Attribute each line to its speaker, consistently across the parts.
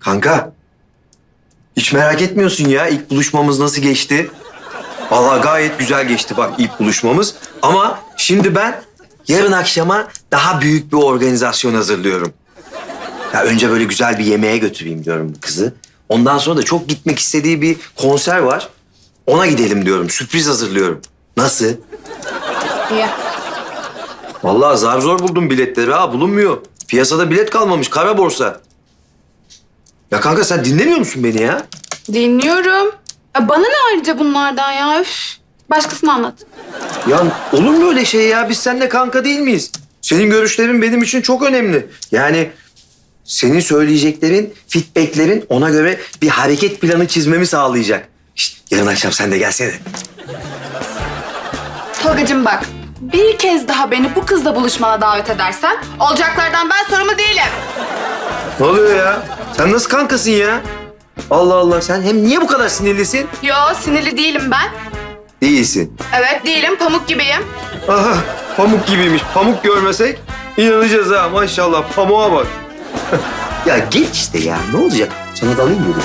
Speaker 1: Kanka, hiç merak etmiyorsun ya ilk buluşmamız nasıl geçti? Vallahi gayet güzel geçti bak ilk buluşmamız. Ama şimdi ben yarın akşama daha büyük bir organizasyon hazırlıyorum. Ya önce böyle güzel bir yemeğe götüreyim diyorum bu kızı. Ondan sonra da çok gitmek istediği bir konser var. Ona gidelim diyorum. Sürpriz hazırlıyorum. Nasıl?
Speaker 2: İyi.
Speaker 1: Vallahi zar zor buldum biletleri ha. Bulunmuyor. Piyasada bilet kalmamış. Kara borsa. Ya kanka sen dinlemiyor musun beni ya?
Speaker 2: Dinliyorum. Bana ne ayrıca bunlardan ya? Üf. Başkasına anlat.
Speaker 1: Ya olur mu öyle şey ya? Biz seninle kanka değil miyiz? Senin görüşlerin benim için çok önemli. Yani senin söyleyeceklerin, feedbacklerin ona göre bir hareket planı çizmemi sağlayacak. Şişt, yarın akşam sen de gelsene.
Speaker 2: Tolgacığım bak. Bir kez daha beni bu kızla buluşmana davet edersen olacaklardan ben sorumlu değilim.
Speaker 1: Ne oluyor ya? Sen nasıl kankasın ya? Allah Allah, sen hem niye bu kadar sinirlisin?
Speaker 2: Yo, sinirli değilim ben.
Speaker 1: Değilsin.
Speaker 2: Evet değilim, pamuk gibiyim.
Speaker 1: Aha, pamuk gibiymiş. Pamuk görmesek inanacağız ha maşallah. Pamuğa bak. Ya geç işte ya. Ne olacak? Sana dalayım mı?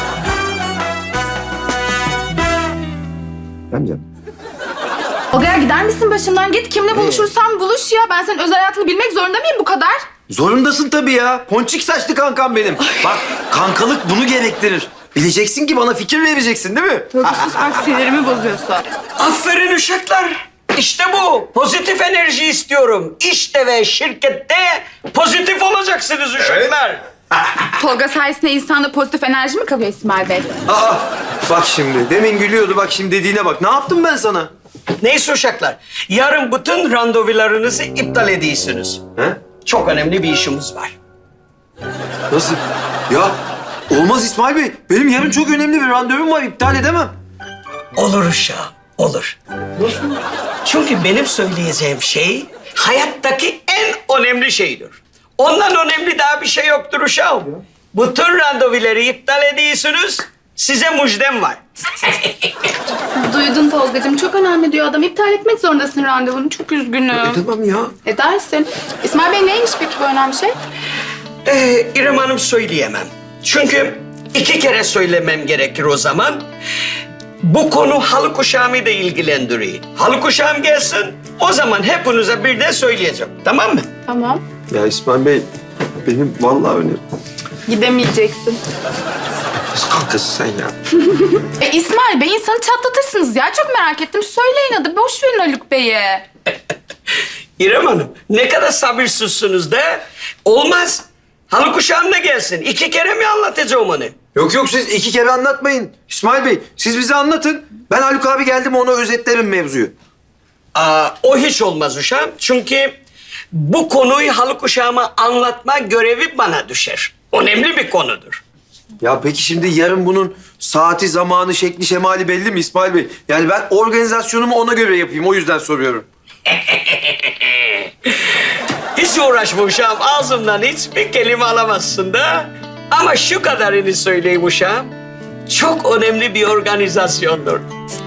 Speaker 1: Ben canım.
Speaker 2: Tolga'ya gider misin başımdan? Git kimle buluşursan buluş ya. Ben senin özel hayatını bilmek zorunda mıyım bu kadar?
Speaker 1: Zorundasın tabii ya. Ponçik saçlı kankam benim. Bak kankalık bunu gerektirir. Bileceksin ki bana fikir vereceksin değil mi?
Speaker 2: Tolga sus bak sinirimi bozuyorsun.
Speaker 3: Aferin uşaklar. İşte bu. Pozitif enerji istiyorum. İşte ve şirkette pozitif olacaksınız uşaklar.
Speaker 2: Tolga sayesinde insanda pozitif enerji mi kalıyor İsmail Bey?
Speaker 1: Aa, bak şimdi. Demin gülüyordu. Bak şimdi dediğine bak. Ne yaptım ben sana?
Speaker 3: Neyse uşaklar. Yarın bütün randevularınızı iptal ediyorsunuz.
Speaker 1: He?
Speaker 3: Çok önemli bir işimiz var.
Speaker 1: Nasıl? Ya olmaz İsmail Bey. Benim yarın çok önemli bir randevum var. İptal edemem.
Speaker 3: Olur uşağım, olur.
Speaker 1: Nasıl?
Speaker 3: Çünkü benim söyleyeceğim şey hayattaki en önemli şeydir. Ondan önemli daha bir şey yoktur uşağım. Bütün randevuları iptal ediyorsunuz. Size müjdem var.
Speaker 2: Duydun Tolgacığım. Çok önemli diyor adam. İptal etmek zorundasın randevunu. Çok üzgünüm.
Speaker 1: Edemem ya.
Speaker 2: Edersin. İsmail Bey neymiş peki bu önemli şey?
Speaker 3: İrem Hanım söyleyemem. Çünkü 2 kere söylemem gerekir o zaman. Bu konu halı kuşağımı da ilgilendiriyor. Halı kuşağım gelsin, o zaman hepinize birden söyleyeceğim. Tamam mı?
Speaker 2: Tamam.
Speaker 1: Ya İsmail Bey benim vallahi önemli.
Speaker 2: Gidemeyeceksin.
Speaker 1: Nasıl kankasın sen ya?
Speaker 2: İsmail Bey insanı çatlatırsınız ya. Çok merak ettim. Söyleyin hadi. Boş verin Haluk Bey'i.
Speaker 3: İrem Hanım, ne kadar sabırsızsınız da. Olmaz. Halı kuşağım da gelsin. 2 kere mi anlatacağım onu?
Speaker 1: Yok yok siz 2 kere anlatmayın. İsmail Bey siz bize anlatın. Ben Haluk abi geldim ona özetlerim mevzuyu.
Speaker 3: O hiç olmaz uşağım. Çünkü bu konuyu halı kuşağıma anlatma görevi bana düşer. Önemli bir konudur.
Speaker 1: Ya peki şimdi yarın bunun saati, zamanı, şekli, şemali belli mi İsmail Bey? Yani ben organizasyonumu ona göre yapayım. O yüzden soruyorum.
Speaker 3: Hiç uğraşma uşağım. Ağzımdan hiçbir kelime alamazsın da. Ama şu kadarını söyleyeyim uşağım. Çok önemli bir organizasyondur.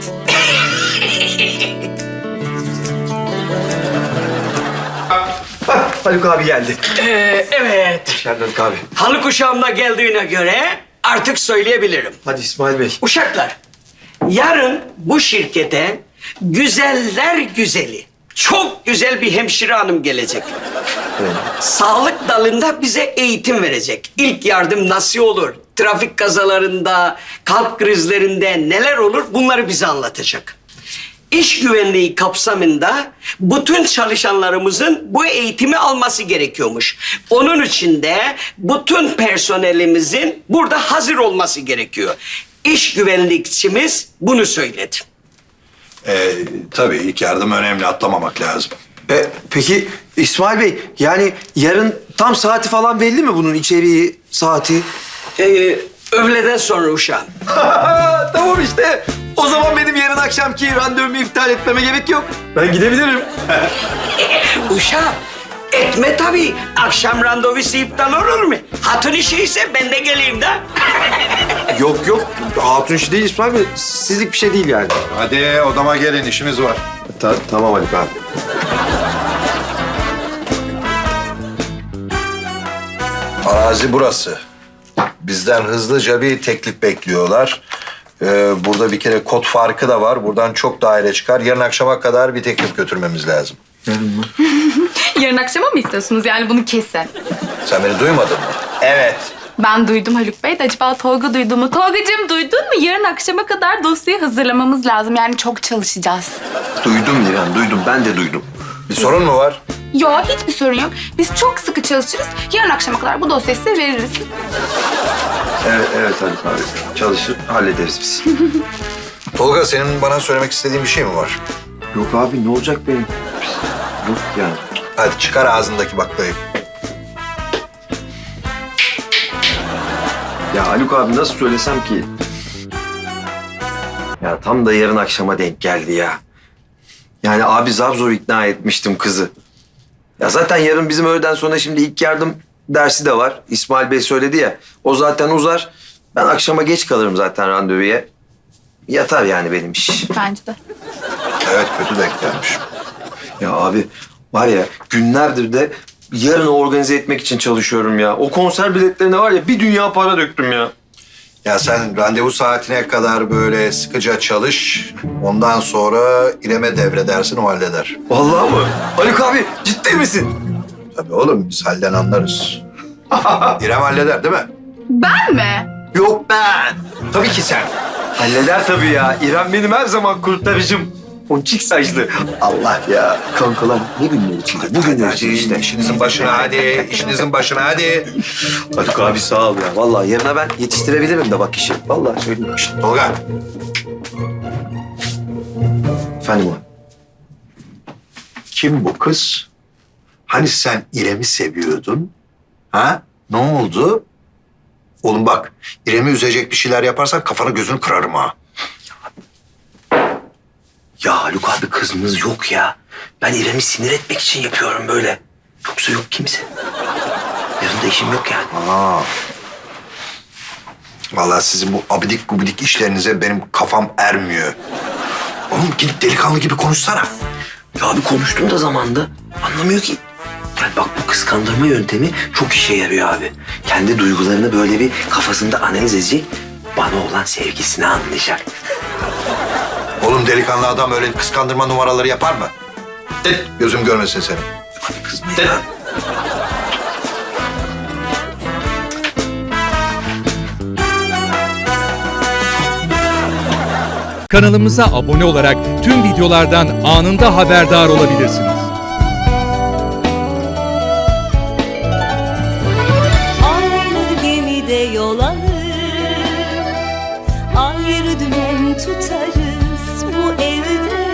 Speaker 1: Hah, Haluk abi geldi.
Speaker 3: Evet.
Speaker 1: Hoş geldin Haluk abi.
Speaker 3: Halı kuşağımda geldiğine göre artık söyleyebilirim.
Speaker 1: Hadi İsmail Bey.
Speaker 3: Uşaklar, yarın bu şirkete güzeller güzeli, çok güzel bir hemşire hanım gelecek. Sağlık dalında bize eğitim verecek. İlk yardım nasıl olur? Trafik kazalarında, kalp krizlerinde neler olur? Bunları bize anlatacak. İş güvenliği kapsamında bütün çalışanlarımızın bu eğitimi alması gerekiyormuş. Onun için de bütün personelimizin burada hazır olması gerekiyor. İş güvenlikçimiz bunu söyledi.
Speaker 4: Tabii ilk yardım önemli, atlamamak lazım.
Speaker 1: Peki İsmail Bey yani yarın tam saati falan belli mi bunun içeriği, saati?
Speaker 3: Öğleden sonra uşağım.
Speaker 1: Tamam işte. O zaman benim yarın akşamki randevumu iptal etmeme gerek yok. Ben gidebilirim.
Speaker 3: Uşağım, etme tabii. Akşam randevusu iptal olur mu? Hatun işi ise ben de geleyim de.
Speaker 1: Yok yok. Hatun işi değil İsmail Bey. Sizlik bir şey değil yani.
Speaker 4: Hadi odama gelin, işimiz var.
Speaker 1: Tamam Haluk abi.
Speaker 4: Arazi burası. bizden hızlıca bir teklif bekliyorlar. Burada bir kere kod farkı da var. Buradan çok daire çıkar. Yarın akşama kadar bir teklif götürmemiz lazım.
Speaker 2: Yarın akşama mı istiyorsunuz? Yani bunu kesin.
Speaker 4: Sen beni duymadın mı? Evet.
Speaker 2: Ben duydum Haluk Bey de acaba Tolga duydu mu? Tolgacığım duydun mu? Yarın akşama kadar dosyayı hazırlamamız lazım. Yani çok çalışacağız.
Speaker 1: Duydum İrem, duydum. Ben de duydum.
Speaker 4: Bir sorun mu var?
Speaker 2: Yok, hiçbir sorun yok. Biz çok sıkı çalışırız. Yarın akşama kadar bu dosyayı size veririz.
Speaker 1: Evet Haluk abi. Çalışır, hallederiz biz.
Speaker 4: Tolga, senin bana söylemek istediğin bir şey mi var?
Speaker 1: Yok abi, ne olacak benim? Yok yani.
Speaker 4: Hadi çıkar ağzındaki baklayı.
Speaker 1: Ya Haluk abi nasıl söylesem ki? Ya tam da yarın akşama denk geldi ya. Yani abi zar zor ikna etmiştim kızı. Ya zaten yarın bizim öğleden sonra şimdi ilk yardım dersi de var. İsmail Bey söyledi ya. O zaten uzar. Ben akşama geç kalırım zaten randevuya. Yatar yani benim iş.
Speaker 2: Bence de.
Speaker 4: Evet, kötü denk gelmiş.
Speaker 1: Ya abi var ya günlerdir de yarını organize etmek için çalışıyorum ya. O konser biletlerine var ya bir dünya para döktüm ya.
Speaker 4: Ya sen randevu saatine kadar böyle sıkıca çalış. Ondan sonra İrem'e devredersin, o halleder.
Speaker 1: Vallahi mı? Haluk abi ciddi misin?
Speaker 4: Tabii oğlum, biz halden anlarız. İrem halleder değil mi?
Speaker 2: Ben mi?
Speaker 1: Yok ben.
Speaker 4: Tabii ki sen.
Speaker 1: Halleder tabii ya. İrem benim her zaman kurtarıcım. Ponçik saçlı. Allah ya. Kankalar ne günler içinde? Bu günler için işte.
Speaker 4: İşinizin başına hadi, işinizin başına hadi.
Speaker 1: Haluk abi sağ ol ya. Vallahi yarına ben yetiştirebilirim de bak işi. Vallahi söyleyeyim. Şişt.
Speaker 4: Tolga,
Speaker 1: Efendim o.
Speaker 4: kim bu kız? Hani sen İrem'i seviyordun? Ha? Ne oldu? Oğlum bak, İrem'i üzecek bir şeyler yaparsan kafanı gözünü kırarım ha.
Speaker 1: Ya Haluk abi kızımız yok ya. Ben İrem'i sinir etmek için yapıyorum böyle. Yoksa yok kimse. Yarın da işim yok yani.
Speaker 4: Aa. Vallahi sizin bu abidik gubidik işlerinize benim kafam ermiyor. Oğlum gidip delikanlı gibi konuşsana.
Speaker 1: Ya abi konuştum da zamanda. Anlamıyor ki. Yani bak bu kıskandırma yöntemi çok işe yarıyor abi. Kendi duygularını böyle bir kafasında analiz edecek. Bana olan sevgisini anlayacak.
Speaker 4: Oğlum delikanlı adam öyle kıskandırma numaraları yapar mı? Gözüm görmesin seni.
Speaker 1: Abi kızma ya.
Speaker 5: Kanalımıza abone olarak tüm videolardan anında haberdar olabilirsiniz.
Speaker 6: Aynı gemide yol alır, ayrı dümen tutarız bu evde.